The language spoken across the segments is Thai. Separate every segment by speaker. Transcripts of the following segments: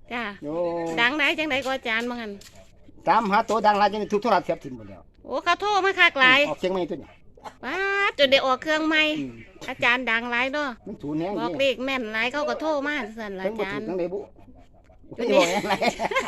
Speaker 1: จ้า
Speaker 2: โอ้
Speaker 1: ดังไหนจังไหนก็อาจารย์บ้างกัน
Speaker 2: ตามหาตัวดังหลายจังทุกโทรศัพท์เสียบทิ้งหมดแล้ว
Speaker 1: โอ้เขาโทรมาคักหลาย
Speaker 2: ออกเสียงไม่ตัวนี้
Speaker 1: ว้าจนได้ออกเครื่องใหม่อาจารย์ดังหลายเนาะ
Speaker 2: มันสูญแห้ง
Speaker 1: บอกเลขแม่นหลายเขาก็โทรมาสั่นละ
Speaker 2: ทั้ง
Speaker 1: อา
Speaker 2: บ่
Speaker 1: จา
Speaker 2: ถู
Speaker 1: ร
Speaker 2: ก
Speaker 1: ย์
Speaker 2: ทั้งใดบุ
Speaker 1: จุด
Speaker 2: ไม่
Speaker 1: นี้
Speaker 2: บอกแห้งไร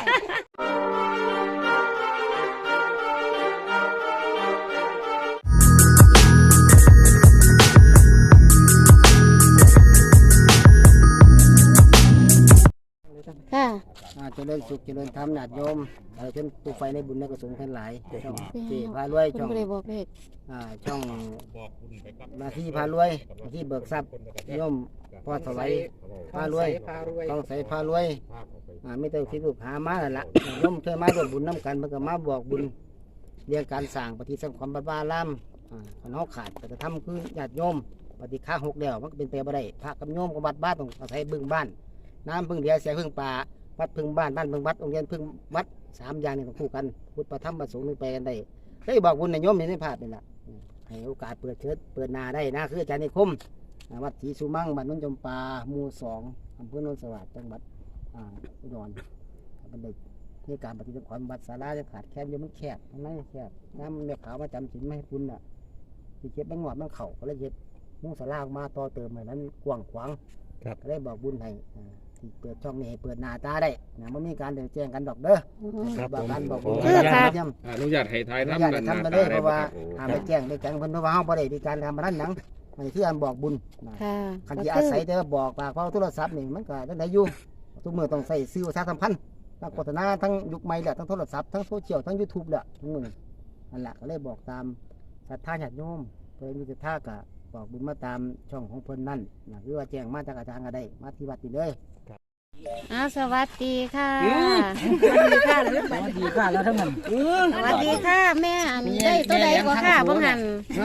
Speaker 1: ค่ะ
Speaker 2: เจริญสุขเจริญธรรมญาติโยมเช่นผู้ไฟในบุญในกุศลทั้งหลายช่องเจพารวย
Speaker 1: คุณ
Speaker 2: ช่อง
Speaker 1: ไม่ได้บอกเลข
Speaker 2: ช่องมาที่พารวยมาที่เบิกทรัพย์โยมพ่อถวายพารวยต้องใส่พารวยไม่ต้องคิดลูกหามาแล้วล่ะโยมเคยมาร่วมบุญน้ำกันเพื่อมาบอกบุญเรื่องการสร้างปฏิสังขรณ์บัดบ้าล่ำขนเอาขาดแต่จะทำคือญาติโยมปฏิฆาหกเดียวมันก็เป็นไปบ่ได้พระกับโยมกับวัดบ้านต้องอาศัยบึงบ้านน้ำพึ่งเดียวเสียพึ่งป่าวัดพึ่งบ้านบ้านพึ่งวัดโรงเรียนพึ่งวัด3 อย่างนี้ต้องคู่กันพุทธประธรรมประสงค์นึงไปกันได้ได้บอกบุญในโยมในภาพนี่แหละให้โอกาสเปิดเชิดเปิดนาได้นะคืออาจารย์นิคมวัดศรีสุมั่งบ้านนุ่นจำปาหมู่2อำเภอโนนสวัสดิ์จังหวัดอุดรเป็นเด็กที่การปฏิบัติความบัดสาราจะขาดแคบอยู่มันแคบทั้งนั้นแคบน้ำมันขาวมาจำศีลไม่ให้คุณน่ะที่เก็บบังหวดบังเข่าก็เลยเก็บมุ่งสารามาต่อเติมเหมือนนั้นกว้างขวางก็ได้บอกบุญให้ที่เปิดช่องนี้ให้เปิดหน้าตาได้นะไม่มีการเดินแจ้งกันดอกเด้อบอกกันบอกบุญ
Speaker 3: อนุญาตให้ทาย
Speaker 2: อนุ
Speaker 3: ทำ
Speaker 2: ญาตให้ทำไปเลยเพราะว่าหาไปแจ้งไปแจ้งเพิ่นเพราะว่าเฮาบ่ได้มีการทำมานั้นหยังอันนี้คือการบอกบุญ
Speaker 1: ค่ะ
Speaker 2: คันที่อาศัยแต่ว่าบอกปากเฝ้าโทรศัพท์นี่มันก็ได้อยู่ทุกมื้อต้องใส่สื่อประชาสัมพันธ์ทั้งโฆษณาทั้งยุคใหม่แหละทั้งโทรศัพท์ทั้งโซเชียลทั้ง YouTube แหละทั้งมื้อนั่นแหละก็เลยบอกตามศรัทธาญาติโยมเพิ่นมีศรัทธาก็บอกบุญมาตามช่องของเพิ่นนั่นนะคือว่าแจ้งมาจากอาจารย์ก็ได้มาที่วัดนี่เลย
Speaker 1: สวัสดีค่ะสวัสดีค่ะ
Speaker 2: สวัสดีค่ะแล้วทั้งนั้น
Speaker 1: สวัสดีค่ะแม่อันได้ตัวใดก็ค่ะบ้างหัน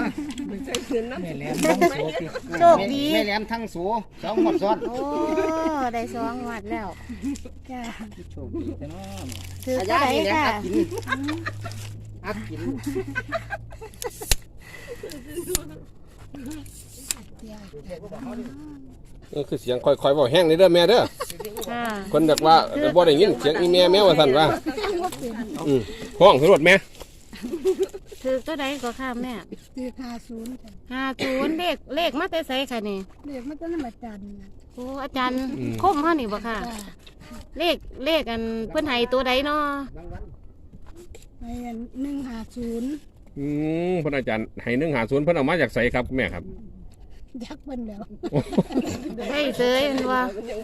Speaker 1: โชคดี
Speaker 2: แม่แหลมทั้งสู2 หมดซ้อน
Speaker 1: โอ้ได้2 วัดแล้วจ้า
Speaker 2: โชคดีแต่น้อ
Speaker 1: ถือตัวใดค่ะ
Speaker 2: อักกิน
Speaker 3: คือเสียงค่อยๆบอกแห้งนี่เด้อแม่เด้อ
Speaker 1: ค่ะ
Speaker 3: คนอยากว่าบ่ได้ยินเสียงอีแม่แม่ว่าสั่นว่าห้องสำรวจแม่
Speaker 1: ถือตัวใดก็ค่ะแม่
Speaker 4: คือ50จ้ะ
Speaker 1: 50เลขมาแต่ไสค่ะนี่
Speaker 4: เรียกมันก็น้ำอาจารย์นะ
Speaker 1: โอ้อาจารย์คมเฮานี่บ่ค่ะ
Speaker 4: จ้ะ
Speaker 1: เลขอันเพิ่นให้ตัวใดเนาะ
Speaker 4: ในอัน150
Speaker 3: เพิ่นอาจารย์ให้150เพิ่นเอามาจากไสครับแม่ครับ
Speaker 4: ยักษ์เพิ่นแล้ว
Speaker 1: ให้เสยอันว่า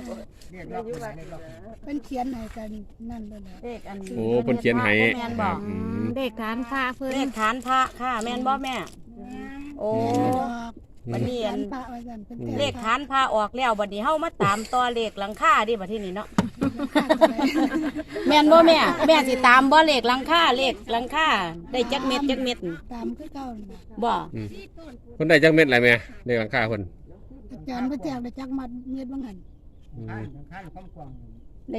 Speaker 4: เป็นเขียนให้กันนั่นเลยแหละ
Speaker 5: เลขอัน
Speaker 3: โอ้เพิ่นเขียนให้
Speaker 5: แม่นบอก
Speaker 1: เลขฐานพระเพิ่น
Speaker 5: เลขฐานพระค่ะแม่นบ่แม่ โอ้
Speaker 4: บอก
Speaker 5: บัดนี้
Speaker 4: เขีย
Speaker 5: อั
Speaker 4: น
Speaker 5: น
Speaker 4: พระไว้กันเป็น
Speaker 5: เลขฐานพระออกแล้วบัดนี้เฮามาตามต่อเลขหลังคาดิบัดทีนี้เนาะแม่นบ่แม่แม่สิตามบ่เลขหลังคาเลขหลังคาได้จักเม็ด
Speaker 4: ตามคือเก่าน่ะ
Speaker 5: บ่
Speaker 3: เพิ่นได้จักเม็ดอะไรแม่ในหลังคาเพิ่น
Speaker 4: อาจารย์พระแจกได้จักมัดเม็ดบางหัน
Speaker 5: ได้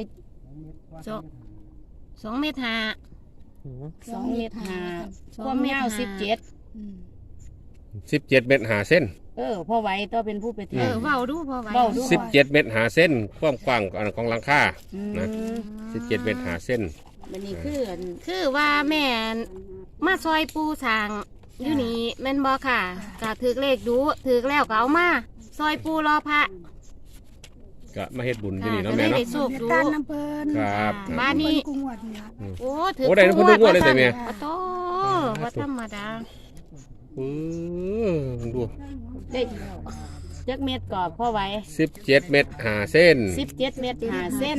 Speaker 1: 2 เมตรห้า
Speaker 5: 2 เมตร5ความยาว17
Speaker 4: อืม
Speaker 3: 17 เม็ด5 เส้น
Speaker 5: พ่อไหวตัวเป็นผู้ไปเที่ยว
Speaker 1: เว้าดูพอไหว
Speaker 5: เว้าดู
Speaker 3: 17 เม็ด5 เส้นความกว้างของหลังคา นะ 17 เม็ด5 เส้น
Speaker 5: บัดนี้คืออัน
Speaker 1: คือว่าแม่มาซอยปูสร้างอยู่นี่แม่นบ่ค่ะก็ถือเลขดูถือแล้วก็เอามาซอยปูรอพระ
Speaker 3: ก็มาเฮ็ดบุญที่
Speaker 1: ค่ะ
Speaker 3: นี่
Speaker 1: ก็
Speaker 3: เนาะ
Speaker 1: ได้
Speaker 3: แม่
Speaker 1: ได้
Speaker 3: เนาะ
Speaker 1: โชค
Speaker 4: เรียก
Speaker 1: ดู
Speaker 4: ตานน้ำเพิ่น
Speaker 3: ครับ
Speaker 1: บ้านนี้
Speaker 4: เพิ่กุ้งวัดเนี่ย
Speaker 1: โอ้ถือ
Speaker 3: โอ้ได้ทุกงวดเลยแต่แม่
Speaker 1: ปะโตว่าธรรมดา
Speaker 3: ดู
Speaker 5: ได้จักเม็ดก็พ่อไหว
Speaker 3: 17 เม็ด5 เส้น
Speaker 5: 17 เม็ด5 เส้น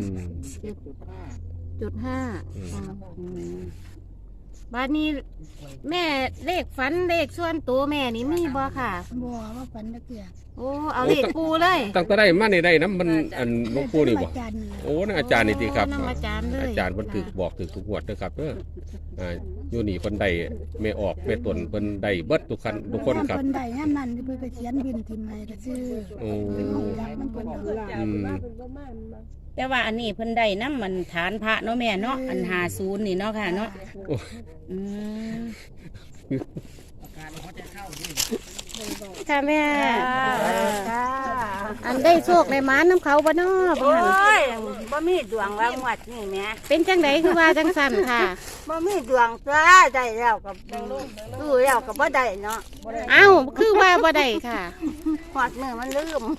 Speaker 1: 10.5บ้านนี้แม่เลขฝันเลขส่วนตัวแม่นี่มีบ่ค่ะ
Speaker 4: บ่ว่าฝันนักเกียร
Speaker 1: โอ้เอาเลขปูเลย
Speaker 3: ตั้งแต่ได้มาในได้น้ำมันอันหลวงปู่นี่บ่
Speaker 4: อาจารย์นี่
Speaker 3: โอ้นั่นอาจารย์นี่ติครับ
Speaker 1: โอ้นำอาจารย์เลย
Speaker 3: อาจารย์เพิ่นถึกบอกถึกทุกงวดเด้อครับเด้ออยู่นี่เพิ่นได้ไม่ออกไม่ตนเพิ่นได้เบิดทุกคนครับ
Speaker 4: เพิ่นได้ย่ำนั้นเพิ่นก็เขียนบินทิมให้ก็ซื้อ
Speaker 3: โอ้
Speaker 4: เป็นของยักษ์มันเพิ่นเอา
Speaker 3: อืม
Speaker 5: แต่ว่าอันนี้เพิ่นได้น้ำมันฐานพระเนาะแม่เนาะอัน50นี่เนาะค่ะเนาะ
Speaker 3: โอ้
Speaker 5: อืม
Speaker 1: ค่ะแม่อันได้โชคในม้าน้ำเขาบ่เนาะบ่
Speaker 5: โอ้
Speaker 1: หั่น
Speaker 5: ยบ่
Speaker 6: มีดวงว่างวดนี่แหม่
Speaker 1: เป็นจังไดคือว่าจังสั่นค่ะ
Speaker 6: บ่มีดวงตัวได้แล้วก็ซื้อแล้วก็บ่ได้เนาะ
Speaker 1: เอ้าคือว่าบ่ได้ค่ะ
Speaker 6: ฮอดมือมันลืม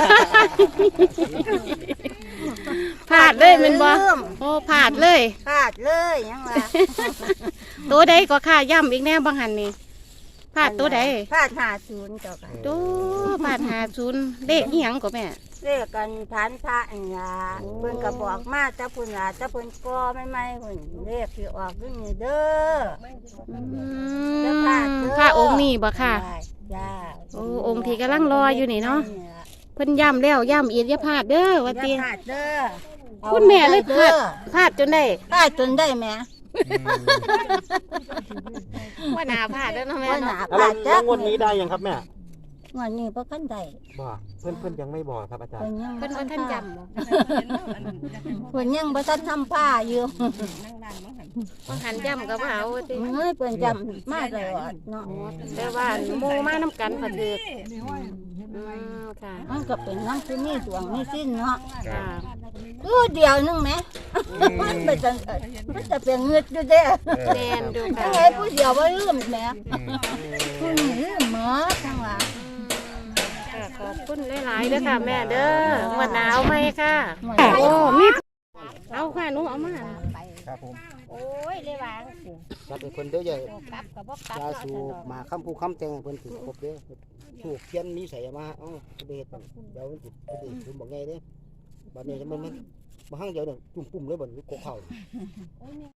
Speaker 1: พลาดเลยแมันบ่โอ้พลาดเลย
Speaker 6: พลาดเลยยังว่า
Speaker 1: ตัวใดก็ค่ะย่ำอีกแน่บางหันนี่พลาดตัวใด
Speaker 6: พลาด50เจ้าค่ะ
Speaker 1: ตัวพลาด50เลขอีหยังก็แม่
Speaker 6: เรียกกันฐานพระอันล่ะเพิ่นก็บอกมาแต่เพิ่นล่ะแต่เพิ่นก่อใหม่ๆเพิ่นเรียกสิออกอยู่นี่เด้อ จะพลาดเด้อ
Speaker 1: ค่ะองค์นี้บ่ค่ะ
Speaker 6: จ้า
Speaker 1: โอ้องค์ที่กำลังรออยู่นี่เนาะเพิ่นย่ำแล้วย่ำอีกอย่าพลาดเด้อว่า
Speaker 6: อย่า
Speaker 1: ติ
Speaker 6: พลาดเด้ออา
Speaker 1: คุณแม่เลยพ
Speaker 6: ด้
Speaker 1: ลา
Speaker 6: อ
Speaker 1: ดพลาดจนได้
Speaker 6: พลาดจนได้แหม่
Speaker 1: ว่าหนาพลาดแล้วเนาะแม่
Speaker 6: ว่าหนา
Speaker 1: เนาะ
Speaker 6: พลาดจ้ะ
Speaker 7: งวดนี้ได้ยังครับแม่
Speaker 6: งวดนี้บ่คันได้
Speaker 7: บอกเพื่อนยังไม่บอกครับอาจาร
Speaker 6: เพิ่น
Speaker 7: ย์
Speaker 6: ยัง
Speaker 1: เพิ่นบ่ทันจำบ่
Speaker 6: เพิ่นยังบ่ทันทำผ้าอยู่
Speaker 1: บางหันจำก็บ่เอาว่าติ
Speaker 6: เฮ้ยเพิ่นจำมาตลอดเนาะ
Speaker 1: แต่ว่าหมู่มานํกันพอถึกค่ะ
Speaker 6: มันก็เป็นน้ำที่มีดวงมีสิ้นเนาะ
Speaker 1: ค่ะ
Speaker 6: ดูเดียวนึงแหมมันเป็นจังมันจะเป็นเงือดอยู่เด้อ
Speaker 1: แม่นดูค่ะ
Speaker 6: ทั้งไงผู้เดียวบ่ลืมแหมผู้นี้ลืมหมดทั้งว่า
Speaker 1: ค่ะขอบคุณหลายๆเด้อค่ะแม่เด้องวดหนาวไหมค่ะ
Speaker 6: หมด
Speaker 1: โอ้มีเอาค่ะหนูเอามา
Speaker 2: ครับผม
Speaker 6: โอ้ยเลยวางสิ
Speaker 2: จัดให้เพิ่นเด้อใหญ่
Speaker 6: กลับกับบ่กลับ
Speaker 2: ยาสูบมาคำผู้คำแตงให้เพิ่นถือครบเด้อสูบเทียนมีใส่มาเอ้าไปเฮ็ดมันเดี๋ยวมันสิไปเฮ็ดผมบอกไงเด้บัดนี้มันบ่หั่งเดี๋ยวเนี่ยจุ่มปุ่มเลยบ่นี่กกเข้า